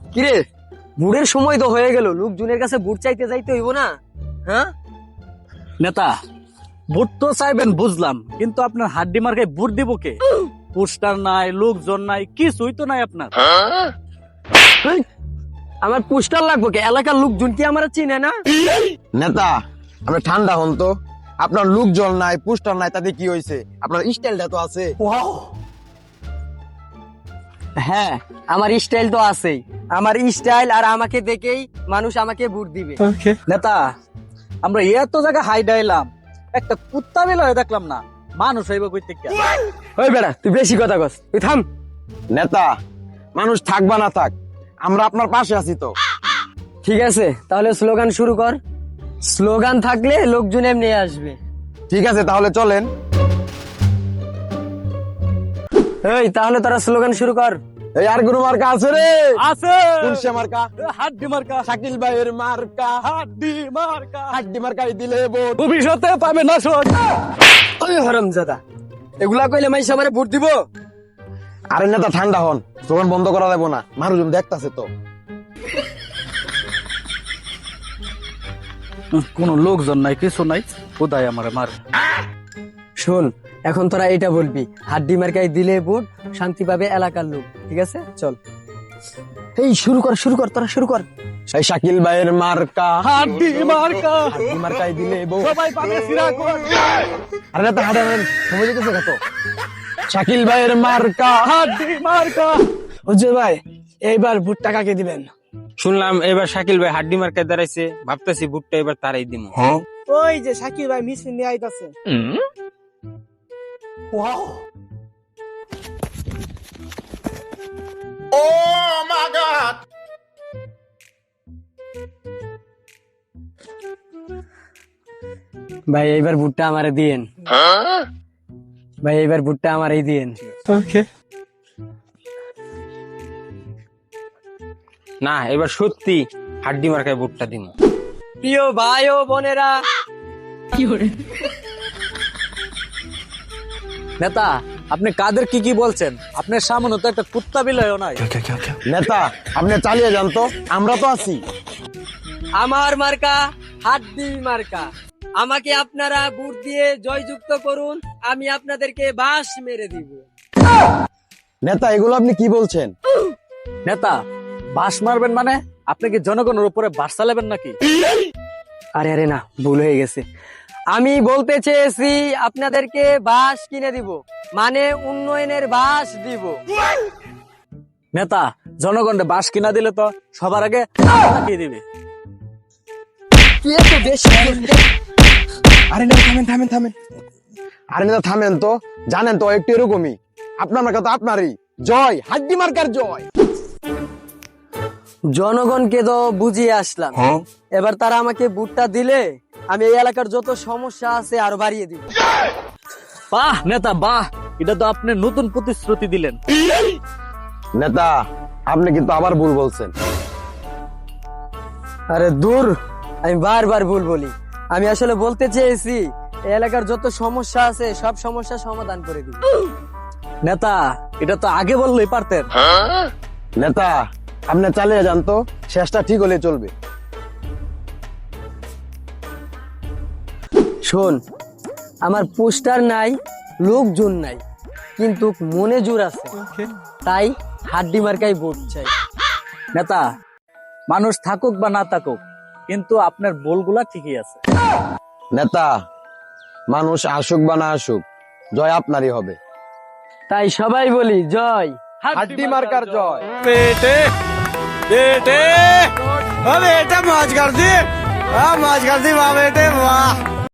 কিরে, বুড়ের সময় তো হয়ে গেল, লোকজনের কাছে বুট চাইতে যাইতে হইব না? হ্যাঁ নেতা, বুট তো চাইবেন বুঝলাম, কিন্তু আপনার হাড্ডি মার্কায় বুট দিব কে? পোস্টার নাই, লোকজন নাই, কিছুই তো নাই আপনার। হেই, আমার পোস্টার লাগবো কে? এলাকার লোকজন কি আমার চিনে না? নেতা, আপনি ঠান্ডা হন তো। আপনার লোক জল নাই, পোস্টার নাই, তাতে কি হয়েছে? আপনার স্টাইলটা তো আছে। হ্যাঁ, আমার স্টাইল তো আছেই। আমার স্টাইল আর আমাকে দেখেই মানুষ আমাকে ভোট দিবে। নেতা, আমরা এত জায়গা হাই ডাইলাম, একটা কুত্তা বেলা দেখলাম না, মানুষ হইব কইতে কে? ওই বেড়া, তুই বেশি কথা কস, তুই থাম। নেতা, মানুষ থাক বা না থাক, আমরা আপনার পাশে আছি তো। ঠিক আছে, তাহলে স্লোগান শুরু কর। স্লোগান থাকলে লোকজন এমনি আসবে। ঠিক আছে, তাহলে চলেন। এই, তাহলে তারা স্লোগান শুরু কর। এই আর কোনো মার্কা আছে রে? আছে কোনসে মার্কা? হাড্ডি মার্কা। শাকিল ভাইয়ের মার্কা। হাড্ডি মার্কা। হাড্ডি মার্কাই দিলে ভোট। ভবিষ্যতে পাবে না শোধ। ওই হারামজাদা, এগুলা কইলে মাইসা আমারে ভোট দিব? আরে নেতা, ঠান্ডা হন, দোকান বন্ধ করা যাবো না, মানুষজন দেখতাছে তো। কোনো লোকজন নাই, কিছু নাই, কোথায় আমার মার। শোন, এখন তোরা এটা বলবি, হাড্ডি মার্কাই দিলে ভোট, শান্তি পাবে এলাকার লোক। ঠিক আছে, চল। এই শুরু কর, তোরা শুরু কর। এই শাকিল ভাইয়ের মার্কা। হাড্ডি মার্কা। হাড্ডি মার্কাই দিলে ভোট। সবাই পাবে সিরাকুন। আরে নেতা, হাঁটেন, সময় যেতেছে কত? শাকিল ভাইয়ের মার্কা। হাড্ডি মার্কা। হুজুর ভাই, এইবার ভুট্টা কাকে দিবেন? শুনলাম এবার শাকিল ভাই হাড্ডি মার্কায় দাঁড়াইছে, ভাবতেছি বুটটা এবার তারাই দিমু। ওই যে শাকির ভাই মিছিল নিয়ে আইতাছে। ভাই এইবার ভোটটা আমারে দিয়েন। ভাই এইবার ভোটটা আমারই দিয়েন। ওকে। না, এবার সত্যি হাড্ডি মার্কায় বুটটা দিমু। প্রিয় ভাই ও বোনেরা, নেতা, আপনি কাদের কি বলছেন? আপনার সামনে তো একটা কুত্তা বিলয়ও নাই। নেতা, আপনি চালিয়ে যান তো, আমরা তো আছি। আমার মার্কা হাড্ডি মার্কা। আমাকে আপনারা ভোট দিয়ে জয়যুক্ত করুন, আমি আপনাদেরকে বাঁশ মেরে দিব। নেতা, এগুলো আপনি কি বলছেন? নেতা, বাস মারবেন মানে? আপনি কি জনগণের উপরে বাস চালাবেন নাকি? আরে আরে না, ভুল হয়ে গেছে। আমি বলতে চেয়েছি আপনাদেরকে বাঁশ কিনে দিব, মানে উন্নয়নের বাঁশ দিব। নেতা, জনগণে বাস কিনা দিলে তো সবার আগে কি দিবে? আরে নেতা, থামেন। আরে নেতা, থামেন তো, জানেন তো একটু এরকমই। আপনার মার্কা তো আপনারই। জয়, হাড্ডি মার্কার জয়। জনগণকে তো বুঝিয়ে আসলাম, এবার তারা আমাকে ভোটটা দিলে আমি এই এলাকার যত সমস্যা আছে আরো বাড়িয়ে দিব। বাহ নেতা, বাহ, এটা তো আপনি নতুন প্রতিশ্রুতি দিলেন। নেতা, আপনি কিন্তু আবার ভুল বলছেন। আরে দূর, আমি বারবার ভুল বলি। আমি আসলে বলতে চেয়েছি এই এলাকার যত সমস্যা আছে সব সমস্যা সমাধান করে দিব। নেতা, এটা তো আগে বললেই পারতেন। নেতা, আপনি চালিয়ে যান তো, শেষটা ঠিক হলে চলবে। শোন, আমার পোস্টার নাই, লোকজন নাই, কিন্তু মনে জোর আছে, তাই হাড্ডি মার্কাই ভোট চাই। নেতা, মানুষ থাকুক বা না থাকুক, কিন্তু আপনার বলগুলা ঠিকই আছে। নেতা, মানুষ আসুক বা না আসুক, জয় আপনারই হবে। তাই সবাই বলি জয়। হাড্ডি মার্কার জয়। बेटे बेटे बेटे मौज कर दी, मौज कर दी वाह बेटे वाह।